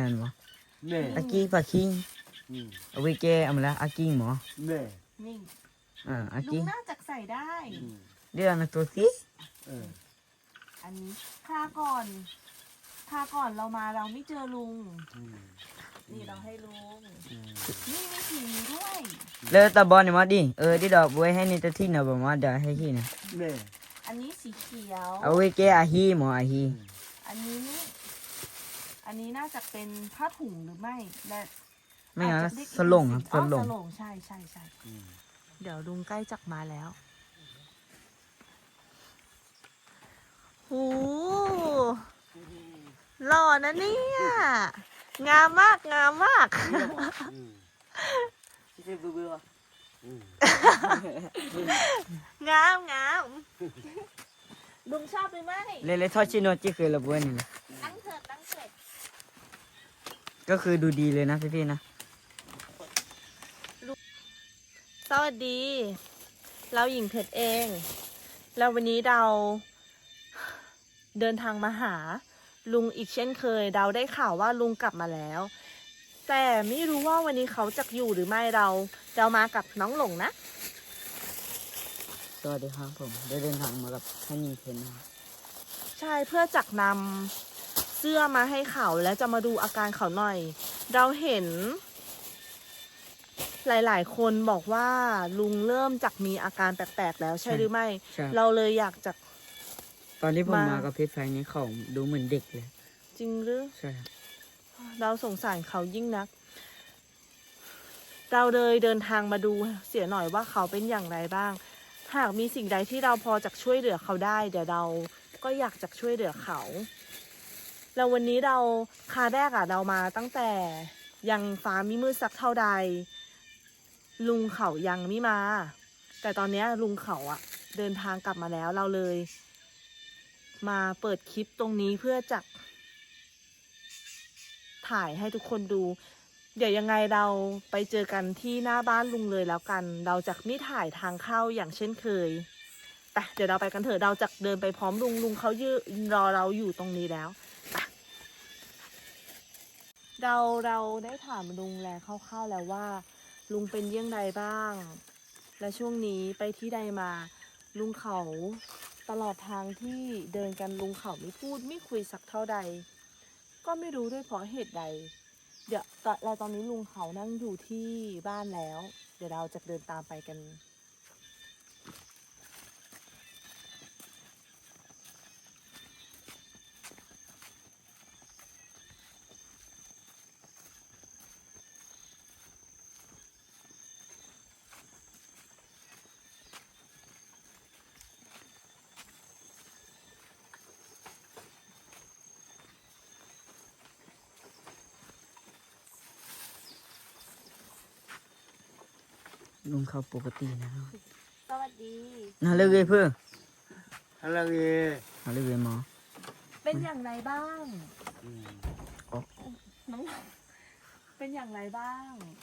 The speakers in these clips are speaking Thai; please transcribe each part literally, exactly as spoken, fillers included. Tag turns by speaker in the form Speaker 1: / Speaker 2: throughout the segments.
Speaker 1: นบ่
Speaker 2: แม่
Speaker 1: อากี้ปาคิง
Speaker 2: อืม
Speaker 1: เอาไว้แกเอามาแล้วอากิ้งหมอ
Speaker 2: แม่
Speaker 3: นี่
Speaker 1: อ่าอา
Speaker 3: ลุ
Speaker 1: กิ้
Speaker 3: ง
Speaker 1: ง
Speaker 3: น่าจะใส่ได้
Speaker 2: อืม
Speaker 1: เดี๋ยวนะตัวสิ
Speaker 2: เออ
Speaker 3: อันนี้คราก่อนคราก่อนเรามาเราไม่เจอลุง
Speaker 2: อืม
Speaker 3: นี่เราให้ลุง
Speaker 2: อืม
Speaker 3: นี่มีสีด้วย
Speaker 1: แล้วตาบอลนี่มาดิเออดิดอกไว้ให้นี่ตะที่นะบ่มาเดี๋ยวให้ที่นะ
Speaker 2: แม่
Speaker 3: อันนี้สีเขียว
Speaker 1: เอาไว้แกอาฮีหมออาฮี
Speaker 3: อันนี้ อันนี้น่าจะเป็นผ้าถุงหรือไม่และ
Speaker 1: ไม่งั้น
Speaker 3: อาจจะเรียกอีก
Speaker 1: สลงครับส
Speaker 3: อ๋อ
Speaker 1: ลง
Speaker 3: สลงใช่ใช่ใช่
Speaker 2: อืม
Speaker 3: เดี๋ยวลุงใกล้จักมาแล้วโหหล่อนะเนี่ยงามมากงามมาก
Speaker 2: อืม
Speaker 1: ที่เบื่อ
Speaker 2: อืม
Speaker 3: งามงามลุงชอบหรือไม่
Speaker 1: เลยเลยทอดชิโนจิคือระเบิดนี่นะ
Speaker 3: ตั้งเถิดตั้งเถิด
Speaker 1: ก็คือดูดีเลยนะพี่ๆนะ
Speaker 3: สวัสดี เราหญิงเพชรเอง แล้ววันนี้เราเดินทางมาหา ลุงอีกเช่นเคย เราได้ข่าวว่าลุงกลับมาแล้ว แต่ไม่รู้ว่าวันนี้เขาจะอยู่หรือไม่เราเรามากับน้องหลงนะ
Speaker 1: สวัสดีครับผมได้เดินทางมากับท่านยิงเพนนะครับ
Speaker 3: ใช่เพื่อจักนำเสื้อมาให้เขาและจะมาดูอาการเขาหน่อย เราเห็น หลายๆ คนบอกว่าลุงเริ่มจากมีอาการแปลกๆแล้วใช่หรือไม่
Speaker 1: ใช่
Speaker 3: เราเลยอยากจะ
Speaker 1: ตอนที่ผม
Speaker 3: มา
Speaker 1: มากับเพชรไฟนี้เขาดูเหมือนเด็กเลย
Speaker 3: จริงหรือ
Speaker 1: ใช่ครับ
Speaker 3: เราสงสารเขายิ่งนัก เราเลยเดินทางมาดูเสียหน่อยว่าเขาเป็นอย่างไรบ้าง หากมีสิ่งใดที่เราพอจะช่วยเหลือเขาได้ เดี๋ยวเราก็อยากจะช่วยเหลือเขา แล้ววันนี้เราคาแรกอะเรามาตั้งแต่ยังฟ้ามิมืดสักเท่าใด ลุงเขายังไม่มา แต่ตอนเนี้ยลุงเขาอะเดินทางกลับมาแล้วเราเลย มาเปิดคลิปตรงนี้เพื่อจะถ่ายให้ทุกคนดู เดี๋ยวยังไงเราไปเจอกันที่หน้าบ้านลุงเลยแล้วกัน เราจะไม่ถ่ายทางเข้าอย่างเช่นเคยไปเดี๋ยวเราไปกันเถอะเราจะเดินไปพร้อมลุงลุงเขายืนรอเราอยู่ตรงนี้แล้วไปเราเราได้ถามลุงแล้วคร่าวๆแล้วว่า ลุงเป็นเยี่ยงใดบ้าง และช่วงนี้ไปที่ใดมา ลุงเขาตลอดทางที่เดินกันลุงเขาไม่พูดไม่คุยสักเท่าใด ก็ไม่รู้ด้วยเพราะเหตุใด เดี๋ยวตอนเราตอนนี้ลุงเขานั่งอยู่ที่บ้านแล้ว เดี๋ยวเราจะเดินตามไปกัน
Speaker 1: ลุงเขาปกตินะครับ
Speaker 3: สวัสดี
Speaker 1: น่าเลิกเลยเพื่อ
Speaker 2: อะไรเงี้ย
Speaker 1: น่าเลิกเลยหมอ
Speaker 3: เป็นอย่างไรบ้าง
Speaker 2: อืม
Speaker 3: น้องเป็นอย่างไรบ้าง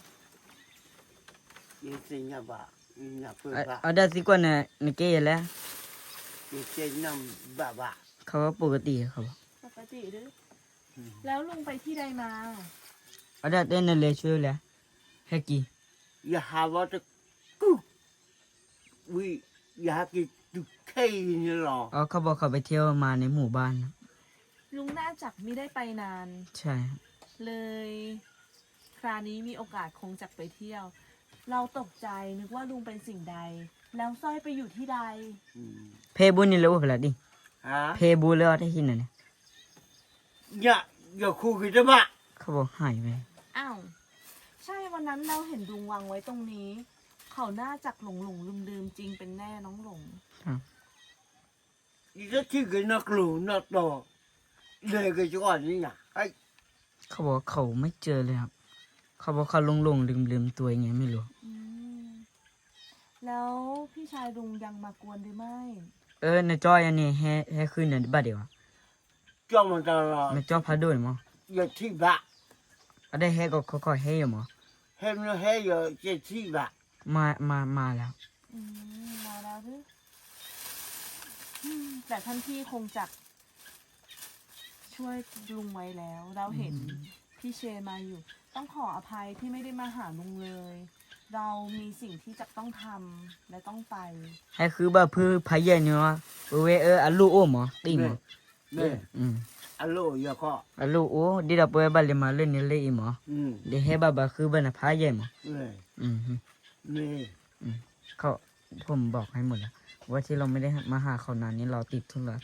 Speaker 2: ยิ่งสิ่งอ่ะบ่ายิ่งอ่ะเพื่อ
Speaker 1: เอา
Speaker 2: บ่า
Speaker 1: เอาได้สิกว่าน่ะนเกยแล้ว
Speaker 2: ยิ่งเจนน้ำบ่าบ่า
Speaker 1: เขาว่าปกติเขาบอก
Speaker 3: ปกติหรือ
Speaker 2: อืม
Speaker 3: แล้วลุงไปที่ใดมา
Speaker 1: เอาได้เต้นนั่นเลยช่วยแล้วให้กี่
Speaker 2: อย่าหาว่าจะกุ๊กวิอย่าหากินตุกเทนี่หรอ
Speaker 1: อ๋อเขาบอกเขาไปเที่ยวมาในหมู่บ้านนะ
Speaker 3: ลุงน่าจักไม่ได้ไปนาน
Speaker 1: ใช่ครับ
Speaker 3: เลย คราวนี้มีโอกาสคงจักไปเที่ยว เราตกใจนึกว่าลุงเป็นสิ่งใด แล้วสร้อยไปอยู่ที่ใด
Speaker 2: อืม
Speaker 1: เพบุญนี่เลยว่าเปล่าดิ
Speaker 2: ฮะ
Speaker 1: เพบุญแล้วได้ที่ไหนเนี่ย
Speaker 2: อย่าอย่าคู่กันจะบ่า
Speaker 1: เขาบอกหายไป
Speaker 3: อ้าว ใช่วันนั้นเราเห็นลุงวางไว้ตรงนี้ เขาน่าจักหลงหลงลืมลืมๆจริงเป็นแน่น้องหลง
Speaker 2: นี่ก็ที่กันนักลูนักโตเลยก็จะก่อนนี่นะไอ้
Speaker 1: เขาบอกเขาไม่เจอเลยครับ เขาบอกเขาหลงหลงลืมลืมๆตัวยังไงไม่รู้
Speaker 3: อืมแล้วพี่ชายลุงยังมากวนหรือไม่
Speaker 1: เออในจอยอันนี้ให้ให้ขึ้นในบัดเดียวอะ
Speaker 2: เจ้ามันตลอด
Speaker 1: ในจอพาด้วยมั้ง
Speaker 2: อย่าที่บ่า
Speaker 1: เอาได้ให้ก็ค่อยๆให้อยู่มั้ง
Speaker 2: เห็นแล้วให้อย่าจะที่บ่า
Speaker 1: มามามาแล้ว
Speaker 3: อืมมาแล้วหรืออืมแต่ท่านพี่คงจักช่วยลุงไว้แล้ว เราเห็นพี่เชนมาอยู่ ต้องขออภัยที่ไม่ได้มาหาลุงเลย เรามีสิ่งที่จะต้องทำและต้องไป
Speaker 1: ให้คือแบบพื้นพายใหญ่เนาะเวเอออัลลูโอหมอติหมอ
Speaker 2: แม่
Speaker 1: อืม
Speaker 2: อัลโลยาก็
Speaker 1: อัลลูโอดีดับเบิลบัลเลมาเล่นนี่เลยอีหมอ
Speaker 2: อืม
Speaker 1: เดี๋ยวให้บาบาคือบันพายใหญ่หมอ
Speaker 2: แม่
Speaker 1: อืม
Speaker 2: แม่
Speaker 1: เขาผมบอกให้หมดแล้วว่าที่เราไม่ได้มาหาเขานานนี้เราติดธุระ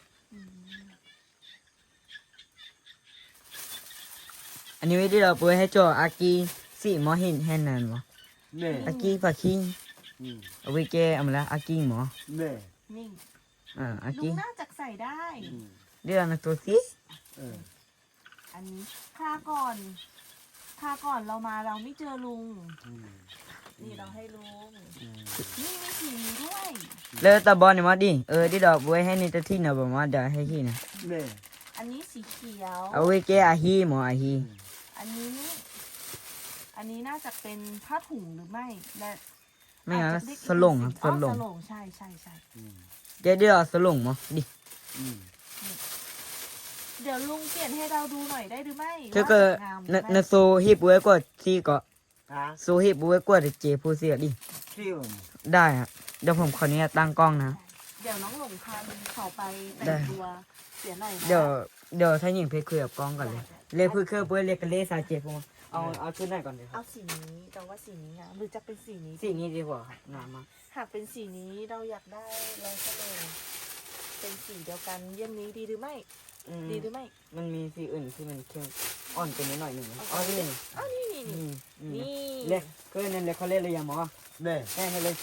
Speaker 1: อันนี้ไม่ได้เราเปิดให้จออากีสิหมอเห็นแห่นานหมอ
Speaker 2: แม่
Speaker 1: อากีฝากคิง
Speaker 2: อืม
Speaker 1: เอาไว้แกเอามาละอากีหมอ
Speaker 2: แม่
Speaker 3: นี่
Speaker 1: อ่าอา
Speaker 3: ลุ
Speaker 1: กี
Speaker 3: งน่าจะใส่ได้
Speaker 2: อืม
Speaker 1: เดี๋ยวนะตัวสิ
Speaker 2: เออ
Speaker 3: อันนี้คาก่อนคาก่อนเรามาเราไม่เจอลุง
Speaker 2: อืม
Speaker 3: นี่เราให้ลุง
Speaker 2: อืม
Speaker 3: นี่มีสีนี้ด้วย
Speaker 1: แล้วตาบอลเนี่ยมาดิเออที่ดอกไว้ให้ในตัวที่นะบอกมาเดี๋ยวให้ที่นะ
Speaker 2: แม่
Speaker 3: อันนี้สีเขียว
Speaker 1: เอาไว้แกอาฮีหมออาฮี
Speaker 3: อันนี้ อันนี้น่าจะเป็นผ้าถุงหรือไม่ และ
Speaker 1: ไม่งั้น
Speaker 3: อาจจะเรียกอีก
Speaker 1: สลงอ่ะ
Speaker 3: สิ่
Speaker 1: สลง
Speaker 3: อ๋อสลงใช่ใช่ใช่
Speaker 2: อืม
Speaker 1: แกเดี๋ยวเอาสลงหมอดิ
Speaker 2: อืม
Speaker 3: เดี๋ยวลุงเปลี่ยนให้เราดูหน่อยได้หรือไม่
Speaker 1: เธอก็
Speaker 3: ว่าสวยงามหรื
Speaker 1: น
Speaker 3: อไม่
Speaker 1: นโซฮิบไว้กว่าที่ก็
Speaker 2: ฮะ
Speaker 1: โซฮิบไว้กว่าเจผู้เสียดิ
Speaker 2: ที่ผม
Speaker 1: ได้ครับเดี๋ยวผมขออนุญาตตั้งกล้องนะ
Speaker 3: เดี๋ยวน้องหลงพาลุงเขาไปแต่
Speaker 1: ได้
Speaker 3: งตัวเสียหน่อยนะ
Speaker 1: เดี๋ยวเดี๋ยวถ้าหญิงเพชรคุยกับกล้องก่อนเลยเรียกเพื่อเครื่องเพื่อเรียกกันเลสาเจผมเอาเอาชุดไหนก่อนดีครั
Speaker 3: เอา
Speaker 1: บ
Speaker 3: สีนี้เราว่าสีนี้งามหรือจะเป็นสีนี้
Speaker 1: สีนี้ดีกว่าครับงามมาก
Speaker 3: หากเป็นสีนี้เราอยากได้ลายเสลงเป็นสีเดียวกันเยี่ยมนี้ดีหรือไม่
Speaker 1: อืม
Speaker 3: ดีหรือไม่
Speaker 1: มันมีสีอื่นที่มันเข้มอ่อนกว่านี้หน่อยหนึ่งนะอ๋อนี่
Speaker 3: อ้าวนี่นี่นี่
Speaker 1: นี่นี่
Speaker 3: นี่
Speaker 1: เรียกเพื่อนนั่นเลยเขาเรียกเลยยังหมอ
Speaker 2: แม่
Speaker 1: แม่ให้เลย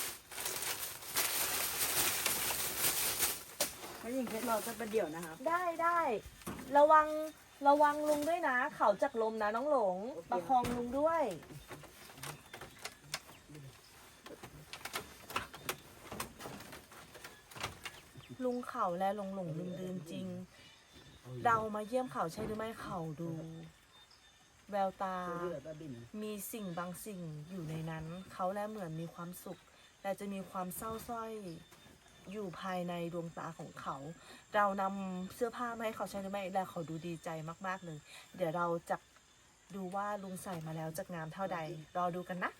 Speaker 1: ถ้าหญิงเพชรรอจะประเดี๋ยวนะครับ
Speaker 3: ได้ได้ระวังระวังลุงด้วยนะ เขาจากลมนะน้องหลง
Speaker 1: โอเค
Speaker 3: ประคองลุงด้วย ลุงเขาและหลงหลงลืมลืมจริง เรามาเยี่ยมเขาใช่หรือไม่เขาดู แววตา มีสิ่งบางสิ่งอยู่ในนั้น เขาและเหมือนมีความสุข แต่จะมีความเศร้าส้อยอยู่ภายในดวงตาของเขา เรานำเสื้อผ้ามาให้เขาใช้หรือไม่และเขาดูดีใจมากๆเลย เดี๋ยวเราจะดูว่าลุงใส่มาแล้วจะงามเท่าใด รอดูกันนะ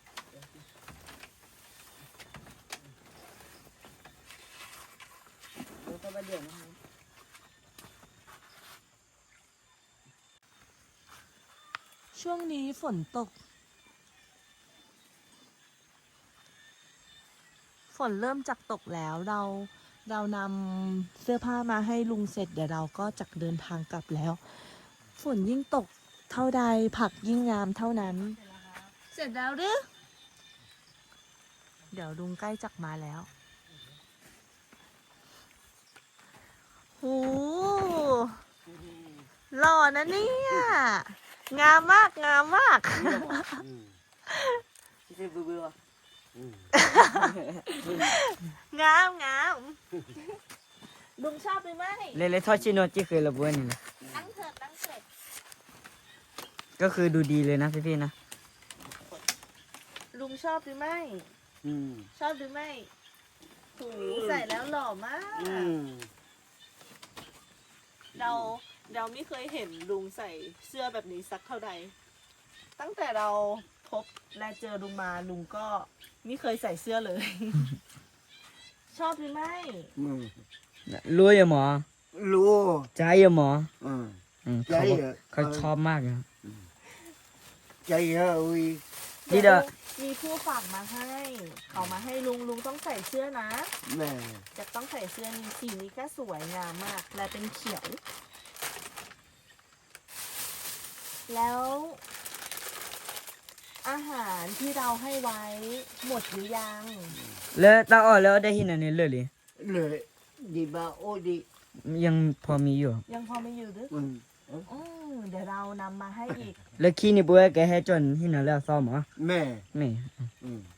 Speaker 1: แล้วก็ประเดี๋ยวนะครับ
Speaker 3: ช่วงนี้ฝนตก ฝนเริ่มจากตกแล้วเราเรานำเสื้อผ้ามาให้ลุงเสร็จเดี๋ยวเราก็จะเดินทางกลับแล้ว ฝนยิ่งตกเท่าใดผักยิ่งงามเท่านั้น เสร็จแล้วหรือเดี๋ยวลุงใกล้จักมาแล้วโหหล่อนะเนี่ยงามมากงามมาก
Speaker 2: อืม
Speaker 1: ที่เบื่อเบื่อ
Speaker 2: อืม
Speaker 3: งามงามลุงชอบหรือไม่
Speaker 1: เลยเลยทอดชิโนจิเคยระเบิดนี่แหละ
Speaker 3: ตั้งเถิดตั้งเถิด
Speaker 1: ก็คือดูดีเลยนะพี่ๆนะ
Speaker 3: ลุงชอบหรือไม่
Speaker 2: อืม
Speaker 3: ชอบหรือไม่โหใส่แล้วหล่อมาก
Speaker 2: อืม
Speaker 3: เราเราไม่เคยเห็นลุงใส่เสื้อแบบนี้สักเท่าใด ตั้งแต่เราพบและเจอลุงมาลุงก็ไม่เคยใส่เสื้อเลย ชอบหรือไม่
Speaker 2: อืม
Speaker 1: รู้อย่าหมอ
Speaker 2: รู้
Speaker 1: ใจอย่าหมอ
Speaker 2: อืม
Speaker 1: อืม
Speaker 2: ใจ
Speaker 1: เขาบอก
Speaker 2: เหรอ
Speaker 1: เขาชอบมากนะ
Speaker 2: ใจเยอะอุ้ย
Speaker 1: นี่เด้อ
Speaker 3: มีผู้ฝากมาให้ เขามาให้ลุงลุงต้องใส่เสื้อนะ
Speaker 2: แม่
Speaker 3: จะต้องใส่เสื้อนี้สีนี้ก็สวยงามมาก และเป็นเขียว แล้ว อาหารที่เราให้ไว้หมดหรือยัง
Speaker 1: แล้วตาอ่อนแล้วได้ที่ไหนเนี่ยเลยเลย
Speaker 2: เลยดีบ้าโอ้ดี
Speaker 1: ยังพอมีอยู่
Speaker 3: ยังพอไม่อยู่หรือ
Speaker 2: อืม
Speaker 3: อืมเดี๋ยวเรานำมาให้อีก
Speaker 1: แล้วขี้นี่บัวแกให้จนที่ไหนแล้วซ่อมเหรอ
Speaker 2: แม่
Speaker 1: ไม่
Speaker 2: อืม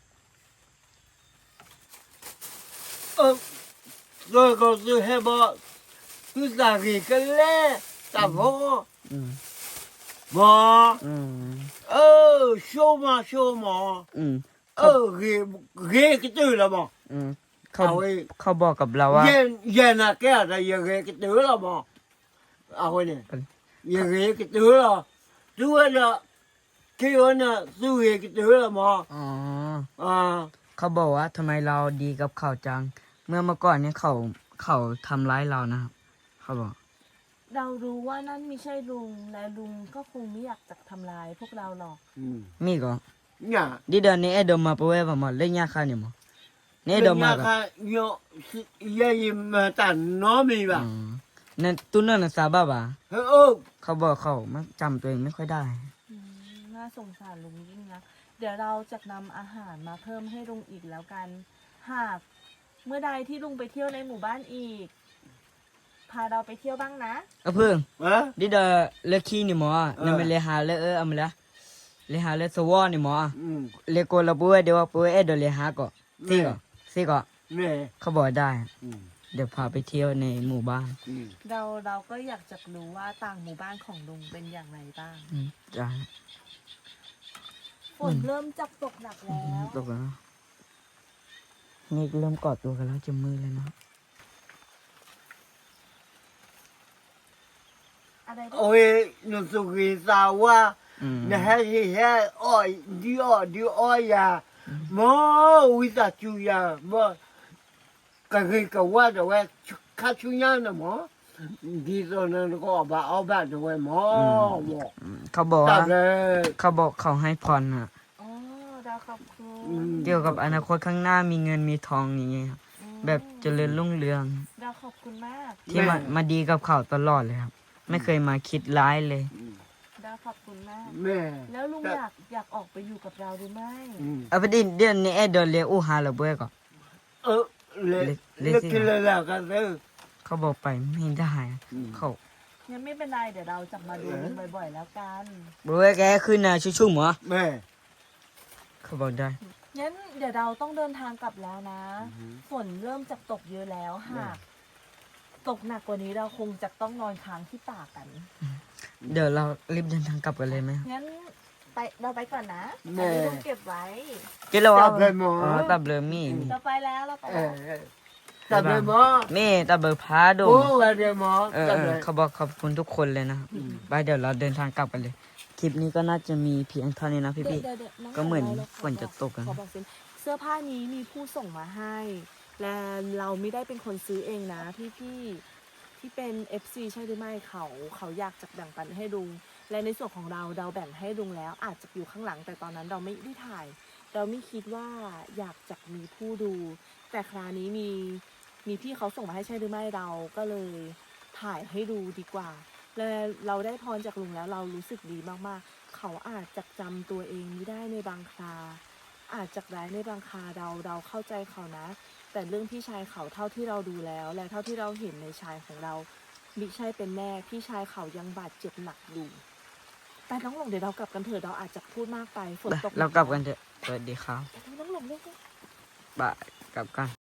Speaker 2: เออก็ก็คือให้บอกคือสากีกันแล้แต่พอ
Speaker 1: อืม
Speaker 2: บอก
Speaker 1: อืม
Speaker 2: เออโชว์มาโชว์มา
Speaker 1: อืม
Speaker 2: เออเกเกก็ตื่นแล้วบอก
Speaker 1: อืมเขา
Speaker 2: เอาไว้
Speaker 1: เขาบอกกับเราว่า
Speaker 2: เย็นเย็นนะแกแต่ยังเกก็ตื่นแล้วบอกเอาไว้เนี่ยยังเกก็ตื่นแล้วตัวน่ะที่ว่าน่ะสู้เหตุตัวละหมอ
Speaker 1: อ๋อ
Speaker 2: อ่า
Speaker 1: เขาบอกว่าทำไมเราดีกับเขาจัง เมื่อเมื่อก่อนเนี่ยเขาเขาทำร้ายเรานะครับเขาบอก
Speaker 3: เรารู้ว่านั่นไม่ใช่ลุงและลุงก็คงไม่อยากจะทำร้ายพวกเราหรอก
Speaker 2: อืม
Speaker 1: มีก็
Speaker 2: เนี่ย
Speaker 1: di da ne edo ma poe ba ma le nya kha ni mo ne edo ma
Speaker 2: ค่ะโยยายมาตันน้อมีป่ะ
Speaker 1: ne tu na na sa ba ba
Speaker 2: เฮ้ยโอ้
Speaker 1: เขาบอกเขามันจำตัวเองไม่ค่อยได้
Speaker 3: อืมน่าสงสารลุงยิ่งนะ เดี๋ยวเราจะนำอาหารมาเพิ่มให้ลุงอีกแล้วกัน หากเมื่อใดที่ลุงไปเที่ยวในหมู่บ้านอีก พาเราไปเที่ยวบ้างนะ
Speaker 1: a pu
Speaker 2: ฮะ
Speaker 1: di da le ki ni mo na me
Speaker 2: Ờ.
Speaker 1: le ha le e am la le ha le so wa ni mo
Speaker 2: อืม
Speaker 1: le ko la poe de wa poe edo le ha ko si ko si ko
Speaker 2: แม่
Speaker 1: เขาบอกได้
Speaker 2: อืม
Speaker 1: เดี๋ยวพาไปเที่ยวในหมู่บ้าน
Speaker 2: อืม
Speaker 3: เราเราก็อยากจะรู้ว่าต่างหมู่บ้านของลุงเป็นอย่างไรบ้าง
Speaker 1: อืมจ้า
Speaker 3: ฝนเริ่มจับตกหนักแล้ว
Speaker 1: ตกแล้วนี่เริ่มกอดตัวกันแล้วจะมือเลยนะ
Speaker 3: อะไรบ้าง
Speaker 2: โอ้ยนุสุกิสาว่า
Speaker 1: อืม
Speaker 2: นะฮะเฮ้ยอ้อยดิอ้อยดิอ้อยยาหมอวิสาจูยาหมอกะเกกะว่าแต่ว่าคาชุยานะหมอดีตอนนั้นก็บาเอาบาด้วยหมอหมอ
Speaker 1: เขาบอก
Speaker 2: ตั
Speaker 1: ว่า
Speaker 2: ดเลย
Speaker 1: เขาบอกเขาให้พรอ่ะ
Speaker 3: อ๋อดาวขอบคุ
Speaker 2: อื
Speaker 3: ณ
Speaker 2: ม
Speaker 1: เกี่ยวกับอนาคตข้างหน้ามีเงินมีทองอย่างเงี้ยครับ
Speaker 3: อืม
Speaker 1: แบบเจริญรุ่งเรือง
Speaker 3: ดาวขอบคุณมาก
Speaker 1: ที่มามาดีกับเขาตลอดเลยครับ ไม่เคยมาคิดร้ายเลย
Speaker 3: ดาวขอบคุณมาก
Speaker 2: แม่
Speaker 3: แล้วลุงอยากอยากออกไปอยู่กับเราหรือไม่
Speaker 2: อืม
Speaker 1: เอาไปดิเดี๋ยวนี้เอเดนเลอูฮาระเบ้ก่อน
Speaker 2: เออเละ
Speaker 1: เละ
Speaker 2: เละกินเลยแล้วกันเด้อ
Speaker 1: เขาบอกไปไม่ได้อะ
Speaker 2: อืม
Speaker 1: เขา
Speaker 3: งั้นไม่เป็นไรเดี๋ยวเราจะมาดูลุงบ่อยๆแล้วกัน
Speaker 1: บอกว่าแกขึ้นนะชุ่มๆเหรอ
Speaker 2: แม่
Speaker 1: เขาบอกได้
Speaker 3: งั้นเดี๋ยวเราต้องเดินทางกลับแล้วนะ
Speaker 2: อือฮึ
Speaker 3: ฝนเริ่มจะตกเยอะแล้วหากตกหนักกว่านี้เราคงจะต้องนอนค้างที่ป่ากัน
Speaker 1: เดี๋ยวเรารีบเดินทางกลับกันเลยไหม
Speaker 3: งั้นไปเราไปก่อนนะ
Speaker 2: แม่
Speaker 3: อันนี้ลุงเก็บไว้
Speaker 1: เจ๊เรา
Speaker 2: ตั
Speaker 1: ว่า
Speaker 2: บเลยหมอ
Speaker 1: อ๋อตับเลยมีมี
Speaker 3: เราไปแล้วเราไป
Speaker 2: เอ
Speaker 3: แล้ว
Speaker 2: อตับเลยหมอ
Speaker 1: มีตับเบอร์พาด
Speaker 2: โอ้
Speaker 1: ง
Speaker 2: วันเดียวหมอ
Speaker 1: เออ
Speaker 2: ตับ
Speaker 1: เอ
Speaker 2: เล
Speaker 1: อย เขาบอกขอบคุณทุกคนเลยนะครับไปเดี๋ยวเราเดินทางกลับกันเลย คลิปนี้ก็น่าจะมีเพียงเท่านี้นะพี่
Speaker 3: เดี๋ยวเดี๋ยวเดี๋ยวง
Speaker 1: ก็เหมือน
Speaker 3: ราราข
Speaker 1: ฝนจะตกอะ
Speaker 3: ขอบอกสิเสื้อผ้านี้มีผู้ส่งมาให้ และเราไม่ได้เป็นคนซื้อเองนะพี่พี่ๆที่เป็น เอฟ ซี ใช่หรือไม่เขาเขาอยากจะแบ่งปันให้ลุง และในส่วนของเราเราแบ่งให้ลุงแล้วอาจจะอยู่ข้างหลัง แต่ตอนนั้นเราไม่ได้ถ่าย เราไม่คิดว่าอยากจะมีผู้ดู แต่คราวนี้มีมีพี่เขาส่งมาให้ใช่หรือไม่เราก็เลยถ่ายให้ดูดีกว่า และเราได้พรจากลุงแล้วเรารู้สึกดีมากๆ เขาอาจจะจำตัวเองไม่ได้ในบางครา อาจจะร้ายในบางคราเราเราเข้าใจเขานะ แต่เรื่องพี่ชายเขาเท่าที่เราดูแล้ว และเท่าที่เราเห็นในชายของเรามิใช่เป็นแน่พี่ชายเขายังบาดเจ็บหนักอยู่ไปน้องหลงเดี๋ยวเรากลับกันเถอะเราอาจจะพูดมากไปฝน
Speaker 1: ไป
Speaker 3: ตก
Speaker 1: เรากลับกันเถอะสวัสดีครับ
Speaker 3: ไปน้องหลงเร็ว
Speaker 1: บายกลับกัน